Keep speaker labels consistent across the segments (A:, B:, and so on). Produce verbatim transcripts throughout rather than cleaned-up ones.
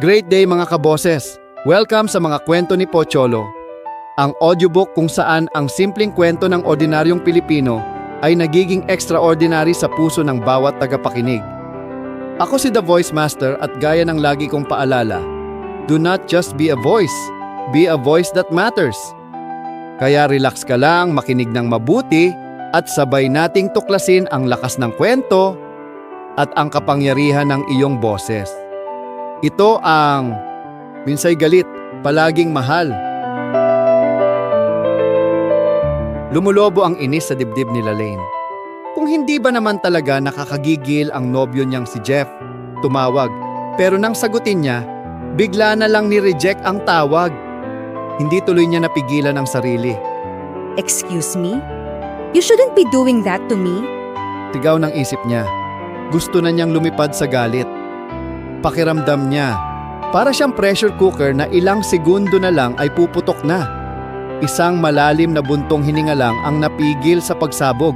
A: Great day mga kaboses! Welcome sa mga kwento ni Pocholo. Ang audiobook kung saan ang simpleng kwento ng ordinaryong Pilipino ay nagiging extraordinary sa puso ng bawat tagapakinig. Ako si The Voice Master at gaya ng lagi kong paalala, do not just be a voice, be a voice that matters. Kaya relax ka lang, makinig ng mabuti at sabay nating tuklasin ang lakas ng kwento at ang kapangyarihan ng iyong boses. Ito ang Minsay Galit, Palaging Mahal. Lumulobo ang inis sa dibdib ni Lane. Kung hindi ba naman talaga nakakagigil ang nobyo niyang si Jeff, tumawag. Pero nang sagutin niya, bigla na lang ni-reject ang tawag. Hindi tuloy niya napigilan ang sarili.
B: Excuse me? You shouldn't be doing that to me.
A: Tigaw ng isip niya. Gusto na niyang lumipad sa galit. Pakiramdam niya, para siyang pressure cooker na ilang segundo na lang ay puputok na. Isang malalim na buntong hininga lang ang napigil sa pagsabog.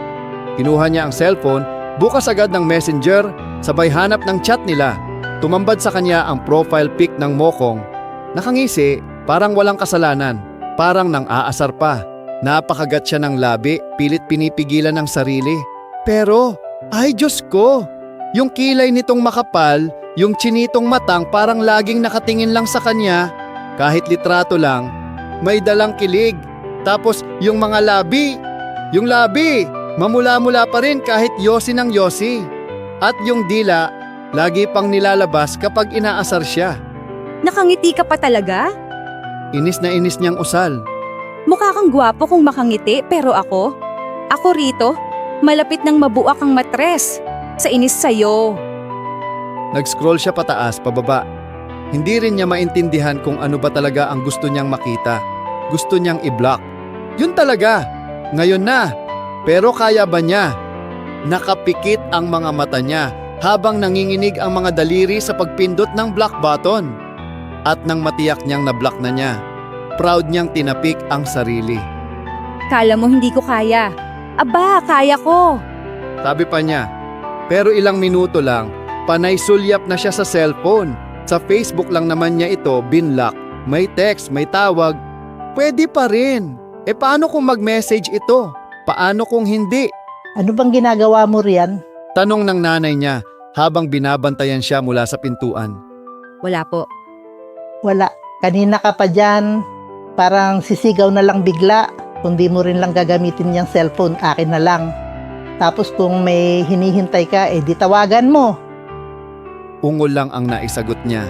A: Kinuha niya ang cellphone, bukas agad ng messenger, sabay hanap ng chat nila. Tumambad sa kanya ang profile pic ng Mokong. Nakangisi, parang walang kasalanan, parang nang aasar pa. Napakagat siya ng labi, pilit pinipigilan ng sarili. Pero, ay Diyos ko! Yung kilay nitong makapal, yung chinitong matang parang laging nakatingin lang sa kanya, kahit litrato lang, may dalang kilig. Tapos yung mga labi, yung labi, mamula-mula pa rin kahit yosi ng yosi. At yung dila, lagi pang nilalabas kapag inaasar siya.
B: Nakangiti ka pa talaga?
A: Inis na inis niyang usal.
B: Mukha kang gwapo kung makangiti, pero ako? Ako rito, malapit ng mabuak ang matres. Sa inis sa'yo.
A: Nag-scroll siya pataas, pababa. Hindi rin niya maintindihan kung ano ba talaga ang gusto niyang makita. Gusto niyang i-block. Yun talaga. Ngayon na. Pero kaya ba niya? Nakapikit ang mga mata niya habang nanginginig ang mga daliri sa pagpindot ng block button. At nang matiyak niyang na-block na niya, proud niyang tinapik ang sarili.
B: Kala mo hindi ko kaya. Aba, kaya ko.
A: Sabi pa niya. Pero ilang minuto lang, panay sulyap na siya sa cellphone. Sa Facebook lang naman niya ito binlock. May text, may tawag. Pwede pa rin. E paano kung mag-message ito? Paano kung hindi?
C: Ano bang ginagawa mo riyan?
A: Tanong ng nanay niya habang binabantayan siya mula sa pintuan.
B: Wala po.
C: Wala. Kanina ka pa dyan. Parang sisigaw na lang bigla. Kung di mo rin lang gagamitin yung cellphone, akin na lang. Tapos kung may hinihintay ka, eh di tawagan mo.
A: Ungol lang ang naisagot niya.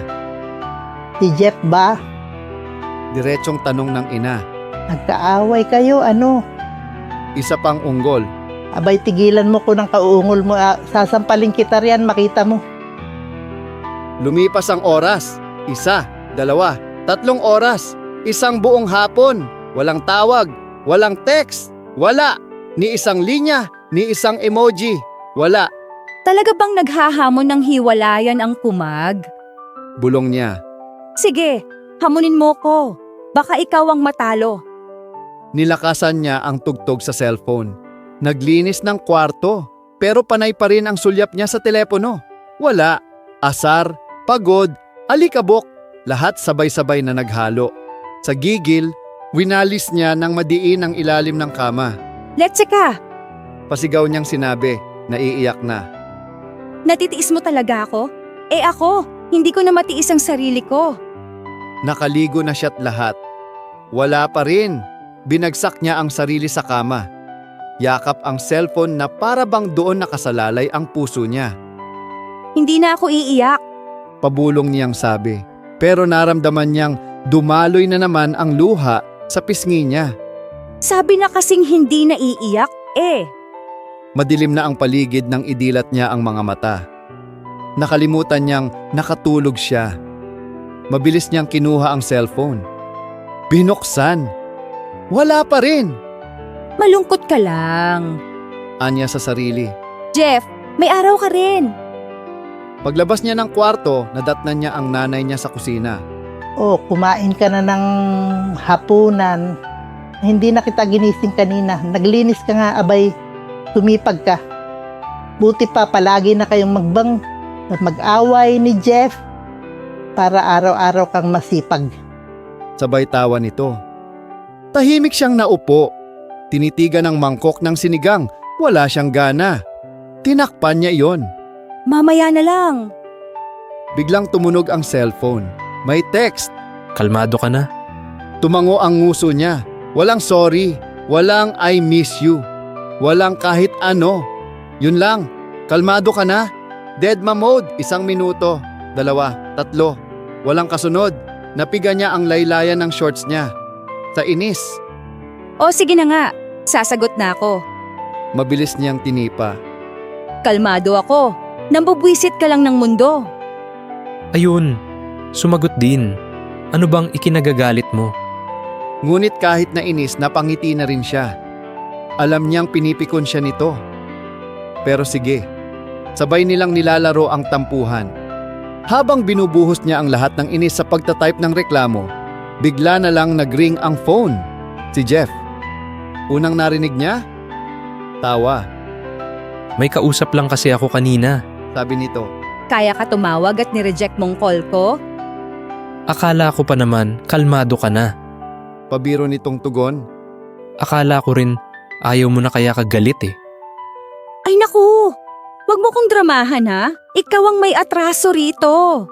C: Si Jeff ba?
A: Diretsong tanong ng ina.
C: Nagkaaway kayo, ano?
A: Isa pang unggol.
C: Abay, tigilan mo ko ng kauungol mo. Ah, sasampalin kita riyan, makita mo.
A: Lumipas ang oras. Isa, dalawa, tatlong oras. Isang buong hapon. Walang tawag, walang text, wala. Ni isang linya, ni isang emoji, wala.
B: Talaga bang naghahamon ng hiwalayan ang kumag?
A: Bulong niya.
B: Sige, hamunin mo ko. Baka ikaw ang matalo.
A: Nilakasan niya ang tugtog sa cellphone. Naglinis ng kwarto, pero panay pa rin ang sulyap niya sa telepono. Wala. Asar, pagod, alikabok, lahat sabay-sabay na naghalo. Sa gigil, winalis niya ng madiin ang ilalim ng kama.
B: Let's ka!
A: Pasigaw niyang sinabi, naiiyak na.
B: Natitiis mo talaga ako? Eh ako, hindi ko na matiis ang sarili ko.
A: Nakaligo na siya't lahat. Wala pa rin. Binagsak niya ang sarili sa kama. Yakap ang cellphone na para bang doon nakasalalay ang puso niya.
B: Hindi na ako iiyak.
A: Pabulong niyang sabi. Pero naramdaman niyang dumaloy na naman ang luha sa pisngi niya.
B: Sabi na kasing hindi na iiyak, eh.
A: Madilim na ang paligid nang idilat niya ang mga mata. Nakalimutan niyang nakatulog siya. Mabilis niyang kinuha ang cellphone. Binuksan. Wala pa rin.
B: Malungkot ka lang.
A: Anya sa sarili.
B: Jeff, may araw ka rin.
A: Paglabas niya ng kwarto, nadatnan niya ang nanay niya sa kusina.
C: Oh, kumain ka na ng hapunan. Hindi na kita ginising kanina. Naglinis ka nga, abay. Tumipag ka. Buti pa, palagi na kayong magbang at mag-away ni Jeff. para araw-araw kang masipag.
A: Sabay tawa nito. Tahimik siyang naupo. Tinitigan ng mangkok ng sinigang. Wala siyang gana. Tinakpan niya iyon.
B: Mamaya na lang.
A: Biglang tumunog ang cellphone. May text.
D: Kalmado ka na.
A: Tumango ang nguso niya. Walang sorry. Walang I miss you. Walang kahit ano. Yun lang. Kalmado ka na. Deadma mode. Isang minuto. Dalawa. Tatlo. Walang kasunod. Napiga niya ang laylayan ng shorts niya. Sa inis.
B: O sige na nga, sasagot na ako.
A: Mabilis niyang tinipa.
B: Kalmado ako. Nambubwisit ka lang ng mundo.
D: Ayun, sumagot din. Ano bang ikinagagalit mo?
A: Ngunit kahit na inis, napangiti na rin siya. Alam niyang pinipikon siya nito. Pero sige, sabay nilang nilalaro ang tampuhan. Habang binubuhos niya ang lahat ng inis sa pagtatype ng reklamo, bigla na lang nag-ring ang phone. Si Jeff. Unang narinig niya, tawa.
D: May kausap lang kasi ako kanina.
A: Sabi nito,
B: Kaya ka tumawag at nireject mong call ko?
D: Akala ko pa naman, kalmado ka na.
A: pabiro nitong tugon.
D: Akala ko rin, ayaw mo na kaya kagalit eh.
B: Ay naku! Wag mo kong dramahan ha. Ikaw ang may atraso rito.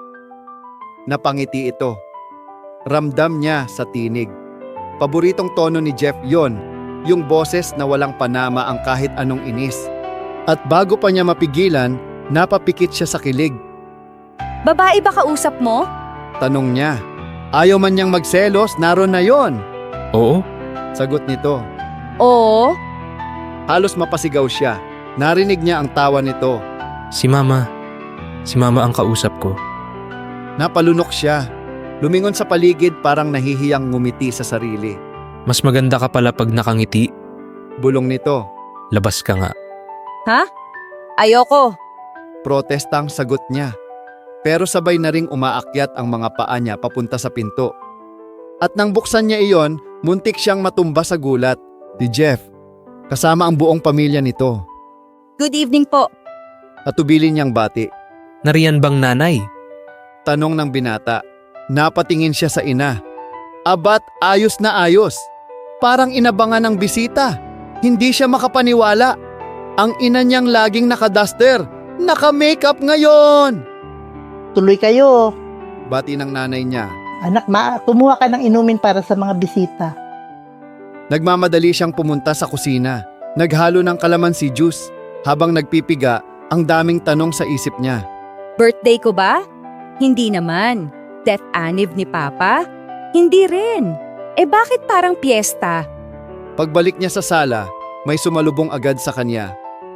A: Napangiti ito. Ramdam niya sa tinig. Paboritong tono ni Jeff yon, yung boses na walang panama ang kahit anong inis. At bago pa niya mapigilan, napapikit siya sa kilig.
B: Babae ba kausap mo?
A: Tanong niya. Ayaw man niyang magselos, naroon na yon.
D: Oo?
A: Sagot nito.
B: Oo.
A: Halos mapasigaw siya. Narinig niya ang tawa nito.
D: Si Mama. Si Mama ang kausap ko.
A: Napalunok siya. Lumingon sa paligid parang nahihiyang ngumiti sa sarili.
D: Mas maganda ka pala pag nakangiti.
A: Bulong nito.
D: Labas ka nga.
B: Ha? Ayoko.
A: Protestang sagot niya. Pero sabay na ring umaakyat ang mga paa niya papunta sa pinto. At nang buksan niya iyon, muntik siyang matumba sa gulat. Si Jeff, kasama ang buong pamilya nito.
B: Good evening po.
A: Natubilin niyang bati.
D: Nariyan bang nanay?
A: Tanong ng binata. Napatingin siya sa ina. Abat ayos na ayos. Parang inabangan ng bisita. Hindi siya makapaniwala. Ang ina niyang laging nakaduster. Naka-makeup ngayon!
C: Tuloy kayo.
A: Bati ng nanay niya.
C: Anak, ma, kumuha ka ng inumin para sa mga bisita.
A: Nagmamadali siyang pumunta sa kusina. Naghalo ng kalamansi juice. Habang nagpipiga, ang daming tanong sa isip niya.
B: Birthday ko ba? Hindi naman. Death anniv ni Papa? Hindi rin. Eh bakit parang piyesta?
A: Pagbalik niya sa sala, may sumalubong agad sa kanya.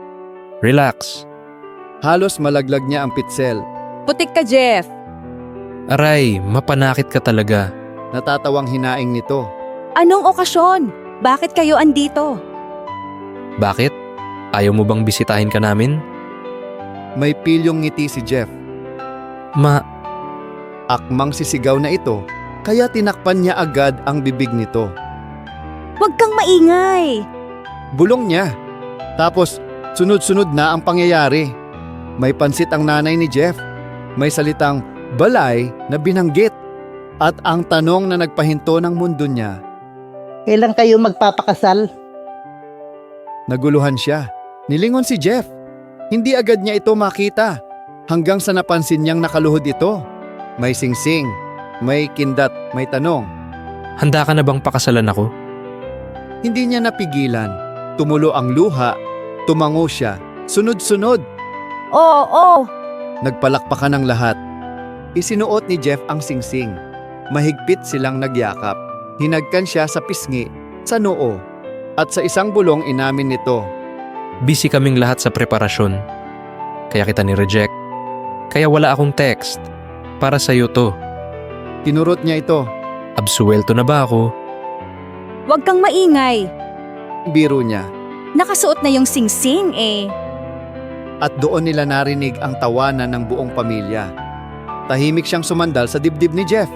D: Relax.
A: Halos malaglag niya ang pitsel.
B: Putik ka, Jeff.
D: Aray, mapanakit ka talaga.
A: Natatawang hinaing nito.
B: Anong okasyon? Bakit kayo andito?
D: Bakit? Ayaw mo bang bisitahin ka namin?
A: May pilyong ngiti si Jeff.
D: Ma,
A: Akmang sisigaw na ito, kaya tinakpan niya agad ang bibig nito.
B: Huwag kang maingay.
A: Bulong niya. Tapos, sunod-sunod na ang pangyayari. May pansit ang nanay ni Jeff. May salitang balay na binanggit. At ang tanong na nagpahinto ng mundo niya.
C: Kailan kayo magpapakasal?
A: Naguluhan siya. Nilingon si Jeff. Hindi agad niya ito makita. Hanggang sa napansin niyang nakaluhod ito. May singsing, may kindat, may tanong.
D: handa ka na bang pakasalan ako?
A: Hindi niya napigilan. Tumulo ang luha. Tumango siya. Sunod-sunod.
B: Oo, oo.
A: Nagpalakpakan ng lahat. Isinuot ni Jeff ang singsing. Mahigpit silang nagyakap. Hinagkan siya sa pisngi, sa noo. At sa isang bulong inamin nito.
D: Busy kaming lahat sa preparasyon. Kaya kita ni-reject. Kaya wala akong text. Para sa'yo to.
A: Tinurot niya ito.
D: Absuelto na ba ako?
B: Huwag kang maingay.
A: Biro niya.
B: Nakasuot na yung singsing eh.
A: At doon nila narinig ang tawanan ng buong pamilya. Tahimik siyang sumandal sa dibdib ni Jeff.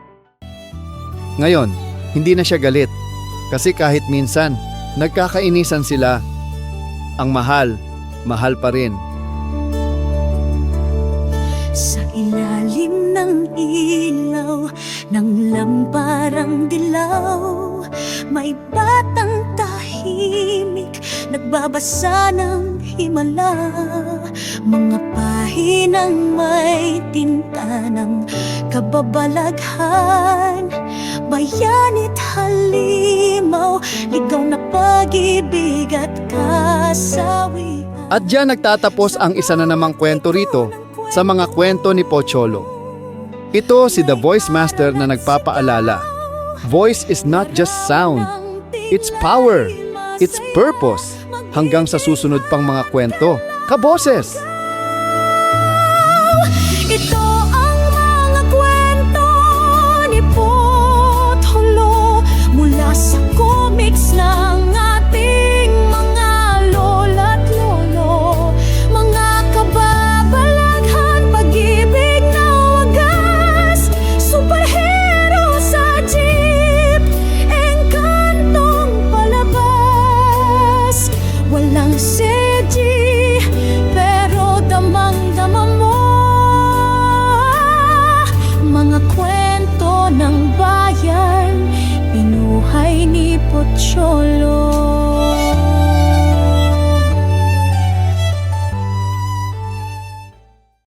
A: Ngayon, hindi na siya galit. Kasi kahit minsan, nagkakainisan sila. Ang mahal, mahal pa rin.
E: Sa ilalim ng ilaw ng lamparang dilaw, may batang tahimik nagbabasa ng himala. Mga pahinang may tinta ng kababalaghan, bayanit halimaw, ligaw na pag-ibig at kasawian.
A: At diyan nagtatapos ang isa na namang kwento rito sa mga kwento ni Pocholo. Ito si The Voice Master na nagpapaalala. Voice is not just sound. It's power. It's purpose. Hanggang sa susunod pang mga kwento. Kaboses!
E: Ito ang mga kwento ni Pocholo mula sa comics ng ating mga lola't lolo. Mga kababalaghan, pag-ibig na wagas, superhero sa jeep, engkantong palabas. Walang C G, pero damang-dama mo. Mga kwento ng bayan, pinuhay ni Pocholo.